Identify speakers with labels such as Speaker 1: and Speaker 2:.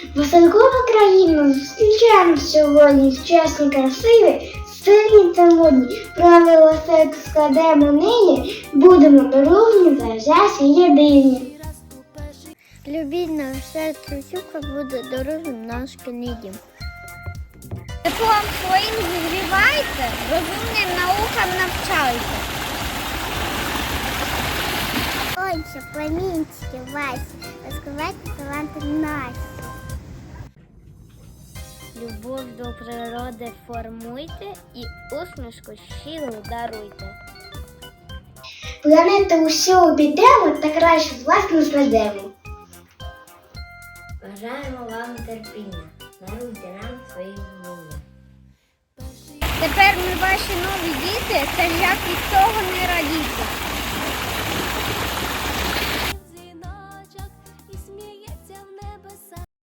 Speaker 1: Веселкова країна зустрічаємо сьогодні чесні, красиві, сильні та модні. Правила серцю складемо нині, будемо дорожні, завзяті єдині.
Speaker 2: Любіть наш серце сюка буде дорожнім наш дім. Теплом своїм зігрівайте, розумним наукам навчайте. Сонце, промінчики Вась, розкривайте таланти наші. Любов до природи формуйте і усмішку щиру даруйте.
Speaker 1: Планету усю обійдемо та краще з вас не знайдемо.
Speaker 3: Бажаємо вам терпіння, даруйте нам свої вміння.
Speaker 2: Тепер ми ваші нові діти, це як від того